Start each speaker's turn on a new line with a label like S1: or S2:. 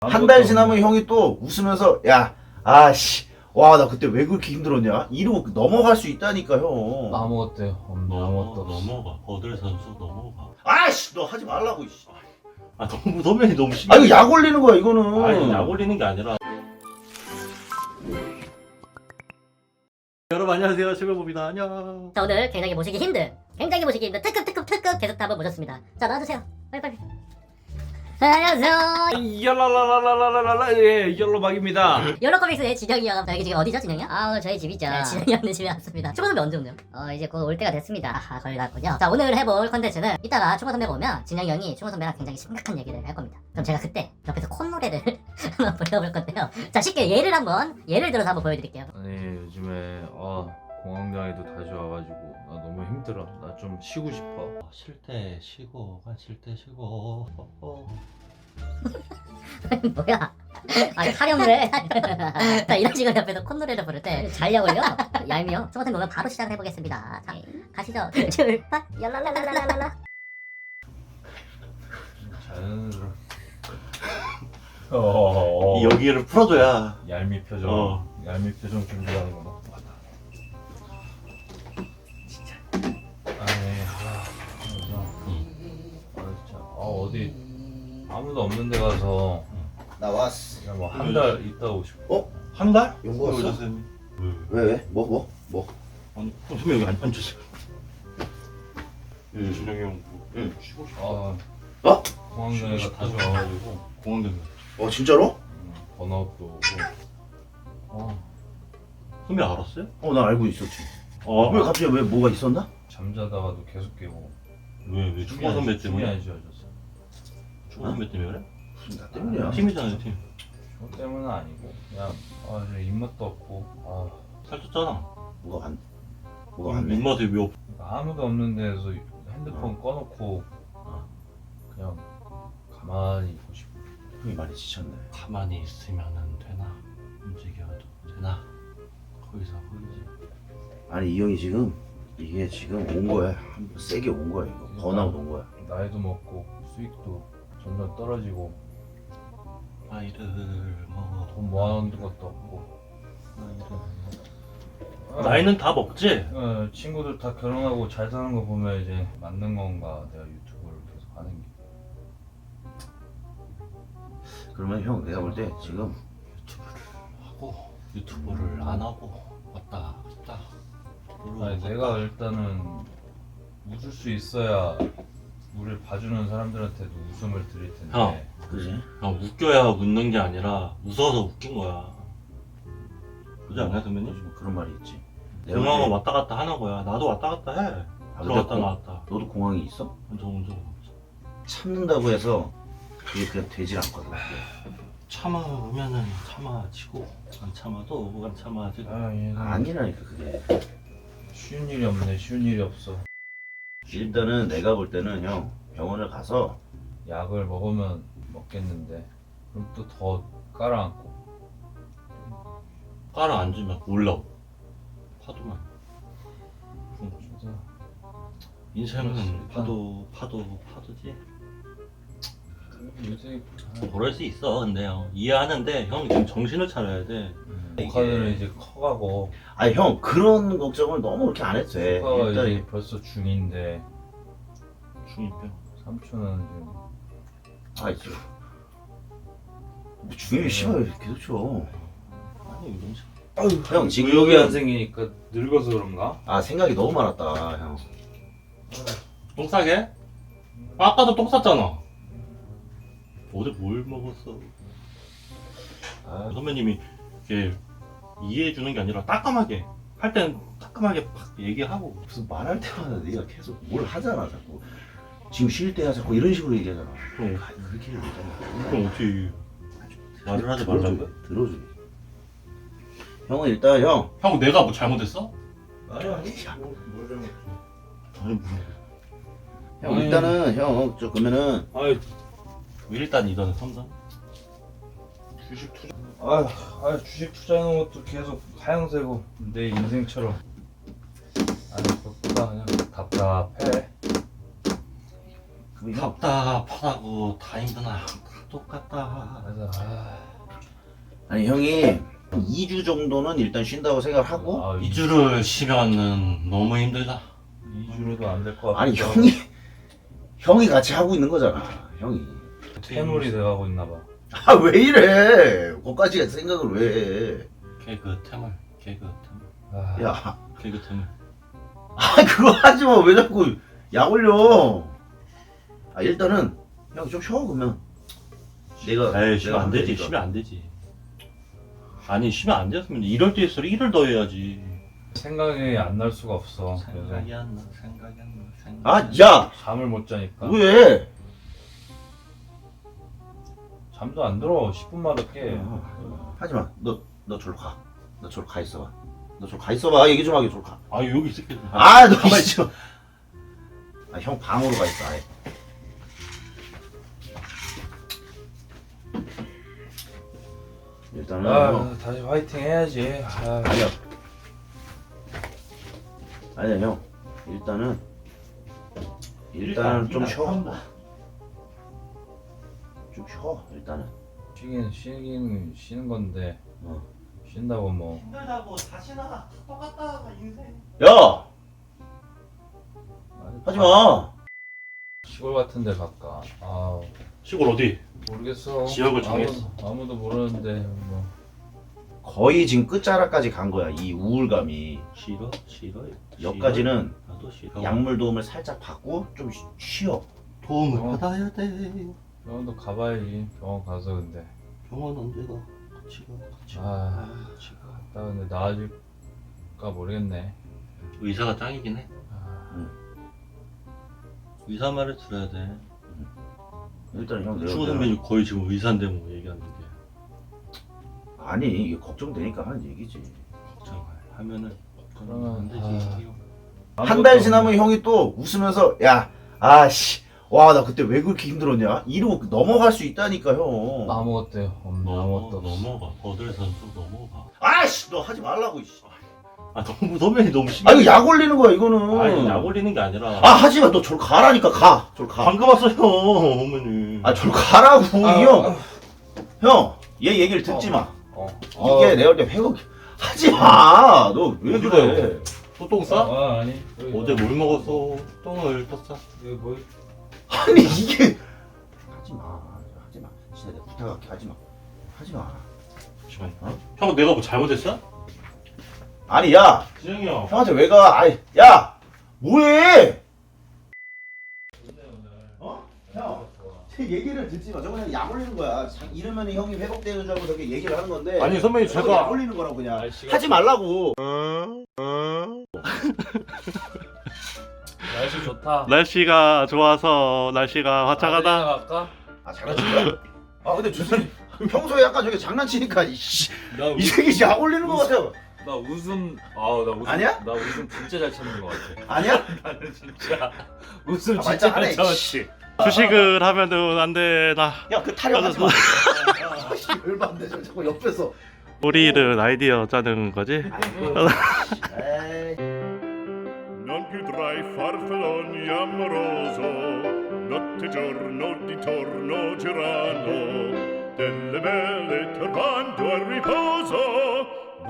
S1: 한 달 지나면 형이 또 웃으면서 야, 아씨, 와, 나 그때 왜 그렇게 힘들었냐? 이러고 넘어갈 수 있다니까, 형.
S2: 아무것도 없네. 아무것도 없어.
S3: 넘어가. 버들 선수 넘어가.
S1: 아씨, 너 하지 말라고, 씨.
S3: 아 너무 선배님 너무 심해.
S1: 아, 이거 약 올리는 거야, 이거는.
S3: 아니 약 올리는 게 아니라. 여러분 안녕하세요, 최별봅니다. 안녕.
S4: 자, 오늘 굉장히 모시기 힘든 특급 게스트 한번 모셨습니다. 자, 나와주세요. 빨리빨리. 안녕하세요.
S2: 열라라라라라라라 예 열로박입니다.
S4: 여러코믹스의 진영이 형. 자, 여기 지금 어디죠, 진영이 형?
S5: 아, 오늘 저희 집이죠.
S4: 네, 진영이 형네 집에 왔습니다. 초보 선배 언제 오네요?
S5: 이제 곧 올 때가 됐습니다.
S4: 아하, 거의 났군요. 자, 오늘 해볼 컨텐츠는 이따가 초보 선배가 오면 진영이 형이 초보 선배랑 굉장히 심각한 얘기를 할 겁니다. 그럼 제가 그때 옆에서 콧노래를 한번 불러볼 건데요. 자, 쉽게 예를 들어서 한번 보여드릴게요.
S2: 아니 요즘에 공황장애도 다시 와가지고 나 너무 힘들어. 나 좀 쉬고 싶어.
S3: 쉴 때 쉬고, 쉴 때 쉬고.
S4: 뭐야? 아니, 타령을 자, 이런 식으로 옆에서 콧노래를 부를 때
S5: 잘 약올려? 얄미워?
S4: 초보 선배 오면 바로 시작을 해보겠습니다. 자, 가시죠. 출발. 얄랄랄랄랄랄라.
S2: 자연스러운
S3: 이 여기를 풀어줘야.
S2: 얄미 표정.
S3: 어.
S2: 얄미 표정 준비하는구나. 진짜. 진짜. 어디 아무도 없는 데 가서
S1: 나 왔어.
S2: 그냥 뭐 한 달 있다 오고 싶어.
S3: 한 달?
S1: 용거 왔어?
S3: 선생님.
S1: 왜? 뭐?
S3: 아니 선배 여기 앉으세요. 준영이 형
S1: 응.
S3: 쉬고 싶어.
S1: 어?
S2: 공황장애가 다시 와가지고
S3: 공항대면.
S1: 진짜로?
S2: 번아웃도 오고.
S3: 선배 알았어요?
S1: 나 알고 있었지. 왜 갑자기 왜 뭐가 있었나?
S2: 잠자다가도 계속 깨고.
S3: 왜 축구 선배
S2: 춤이
S3: 때문에?
S2: 안 지워졌어.
S3: 축구 선배 때문에 그래?
S1: 무슨 나 때문이야?
S3: 팀이잖아요, 팀.
S2: 저 때문은 아니고 그냥 저 입맛도 없고
S3: 살쪘잖아.
S1: 뭐가 왔네?
S3: 입맛에 왜 없?
S2: 그러니까 아무도 없는 데서 핸드폰 꺼놓고 그냥 가만히 있고 싶어.
S1: 형이 많이 지쳤네.
S3: 가만히 있으면은 되나? 움직여도 되나? 거기서 거기지.
S1: 아니, 이 형이 이게 지금 온 거야. 한번 세게 온 거야, 이거. 번아웃 온 거야.
S2: 나이도 먹고 수익도 점점 떨어지고
S3: 나이를 먹어.
S2: 돈 모아놓은 것도 없고.
S3: 나이는 다 먹지?
S2: 친구들 다 결혼하고 잘 사는 거 보면 이제 맞는 건가 내가 유튜브를 계속 하는 게.
S1: 그러면 형, 내가 볼 때 지금
S3: 하고 유튜브를 안 하고 왔다 갔다.
S2: 아니 내가 일단은 웃을 수 있어야 우리를 봐주는 사람들한테도 웃음을 드릴 텐데.
S3: 형.
S1: 그지?
S3: 웃겨야 웃는 게 아니라 웃어서 웃긴 거야. 그지 않나요, 선배님?
S1: 뭐 그런 말이 있지.
S3: 공항은 왔다 갔다 하는 거야. 나도 왔다 갔다 해. 들어갔다
S1: 근데
S3: 나왔다.
S1: 너도 공항이 있어?
S3: 저 운전 없어.
S1: 참는다고 해서 그게 그냥 되질 않거든.
S3: 참아오면은 참아지고 안 참아도 안 참아지고.
S2: 얘는
S1: 아니라니까, 그게.
S2: 쉬운 일이 없네. 쉬운 일이 없어.
S1: 일단은 내가 볼 때는 형, 병원을 가서
S2: 약을 먹으면 먹겠는데 그럼 또 더 깔아앉고.
S3: 깔아앉으면 올라오. 파도만.
S2: 진짜
S3: 인생은 파도지.
S2: 요새
S3: 그럴 수 있어. 근데 형 이해하는데 형 지금 정신을 차려야 돼.
S2: 조카들은 이제 커가고
S1: 아니, 형, 그런 걱정을 너무 그렇게 안 해도 돼.
S2: 조카가
S1: 일단
S2: 이제 벌써 중2인데
S3: 중이병.
S2: 삼촌은 지금
S1: 있어. 뭐 중요히 씨발 계속 쳐.
S3: 아니 이런 식.
S1: 형, 지금
S2: 의욕이 안 생기니까 늙어서 그런가?
S1: 생각이 너무 많았다, 형.
S3: 똥 싸게? 아까도 똥 쌌잖아. 어제 뭘 먹었어? 선배님이 이렇게 이해해 주는 게 아니라 따끔하게 할 때는 따끔하게 팍 얘기하고.
S1: 무슨 말할 때마다 네가 계속 뭘 하잖아, 자꾸. 지금 쉴 때야 자꾸 이런 식으로 얘기하잖아.
S3: 그럼
S1: 그렇게 얘기하잖아.
S3: 그럼 어떻게 말을 하지 말라고요?
S1: 들어줘. 형은 일단 형.
S3: 형 내가 뭐 잘못했어?
S1: 아니.
S3: 아니 뭐.
S1: 형 일단은 형 그러면은
S3: 아이 일단 이거는 삼성 주식 투자.
S2: 주식 투자하는 것도 계속 하향세고 내 인생처럼. 그것보다 그냥 답답해.
S1: 형,
S3: 답답하다고 다 힘드나 똑같다.
S2: 그래서
S1: 아니 형이 2주 정도는 일단 쉰다고 생각하고.
S2: 아,
S3: 2주를 쉬면은 너무 힘들다.
S2: 2주로도 안 될 것 같고.
S1: 아니 형이 같이 하고 있는 거잖아 형이.
S2: 퇴물이 돼가고 있나 봐.
S1: 아 왜 이래? 거기까지 생각을 왜 해?
S3: 개그 태물.
S2: 아,
S1: 야,
S3: 개그 태물.
S1: 아 그거 하지 마. 왜 자꾸 약 올려? 아 일단은 형 좀 쉬어 그러면.
S3: 에이, 쉬면 안
S1: 하면
S3: 되지.
S1: 되니까.
S3: 쉬면 안 되지. 아니, 쉬면 안 됐으면 이럴 때일수록 일을 더 해야지.
S2: 생각이 안 날 수가 없어. 그래서
S3: 생각이 안 나.
S1: 아 야,
S2: 잠을 못 자니까.
S1: 왜?
S2: 잠도 안 들어. 10분마다 깨.
S1: 하지 마. 너 저로 가. 너 저로 가 있어봐. 너 저로 가 있어봐. 얘기 좀 하게 저로 가.
S3: 아, 여기 있을게.
S1: 아, 너 가만히 있어. 아, 형 방으로 가 있어. 아예. 일단은
S2: 아, 다시 화이팅 해야지. 아,
S1: 아니야 형. 일단은 좀 쉬어. 좀 쉬어. 일단은.
S2: 쉬긴 쉬는 건데
S1: 어.
S2: 쉰다고 뭐.
S3: 힘들다고 다시나 똑같다 인생.
S1: 야, 하지 마.
S2: 시골 같은데 갈까? 아,
S3: 시골 어디?
S2: 모르겠어.
S3: 지역을 정했어.
S2: 아무도 모르는데 뭐.
S1: 거의 지금 끝자락까지 간 거야. 이 우울감이.
S3: 싫어.
S1: 여기까지는
S3: 나도 싫어.
S1: 약물 도움을 살짝 받고 좀 쉬어.
S3: 도움을
S2: 어.
S3: 받아야 돼.
S2: 병원도 가봐야지. 병원 가서 근데.
S3: 병원 언제 가? 같이 가.
S2: 아,
S3: 같이 가.
S2: 나 근데 나아질까 모르겠네.
S3: 의사가 짱이긴 해.
S2: 아,
S3: 의사 말을 들어야 돼.
S1: 일단 형
S3: 추호
S1: 내가
S3: 선배님 거의 지금 의사인데 뭐 얘기하는 게
S1: 아니 이게 걱정되니까 하는 얘기지.
S3: 걱정하면은
S2: 그러면,
S3: 안 되지.
S1: 한 달 지나면 형이 또 웃으면서 야, 아씨, 와 나 그때 왜 그렇게 힘들었냐? 이러고 넘어갈 수 있다니까 형.
S2: 아무것도 없네. 아무것도 없어.
S3: 넘어가. 버들에서는 좀 넘어가.
S1: 아씨, 너 하지 말라고. 이씨.
S3: 아 너무 선배님 너무 심해.
S1: 아 이거 약 올리는 거야 이거는.
S3: 아니 약 올리는 게 아니라.
S1: 아 하지 마. 너 저로 가라니까 가. 저로 가.
S3: 방금 왔어요 어머니.
S1: 아 저로 가라고 이 형. 형, 얘 얘기를 듣지 마. 이게 내가 볼 때 회복. 하지 마. 너 왜 그래?
S3: 또똥 싸?
S2: 아니.
S3: 어제 뭘 먹었어? 똥을 떴어.
S2: 이거 뭐?
S1: 아니 이게 하지 마. 하지 마. 진짜 내가 부탁할게. 하지 마. 하지 마.
S3: 잠시만요.
S1: 어?
S3: 형 내가 뭐 잘못했어?
S1: 아니 야,
S3: 지영이 형.
S1: 형한테 왜 가? 아이, 야, 뭐해? 어? 형, 제 얘기를 듣지 마. 저거 그냥 약 올리는 거야. 이러면 형이 회복되는 줄 알고 저렇게 얘기를 하는 건데.
S3: 아니 선배님
S1: 저거
S3: 제가
S1: 약 올리는 거라고 그냥.
S2: 날씨가-
S1: 하지 말라고.
S2: 날씨 좋다.
S3: 날씨가 좋아서 날씨가
S2: 아들이나 갈까?
S1: 아 장난친 거야? 아 근데 주승이 평소에 약간 저게 장난치니까 이씨
S2: 나
S1: 이 새끼 약 올리는 거 같아.
S2: 나 웃음 나 웃음
S1: 아니야?
S2: 나 웃음 진짜 잘 참는 것 같아.
S1: 아니야?
S2: 나는 진짜 웃음
S1: 아,
S2: 진짜
S1: 말짱하네,
S2: 잘 참았지.
S3: 주식을 하면은 안 되나?
S1: 야 그 타령하지 마. 아씨 열받네 저 자꾸 옆에서.
S3: 우리는 아이디어 짜는 거지?
S1: 에이.
S6: Non più tra i farfalloni amoroso, notte e giorno di torno girano, delle belle turbando al riposo.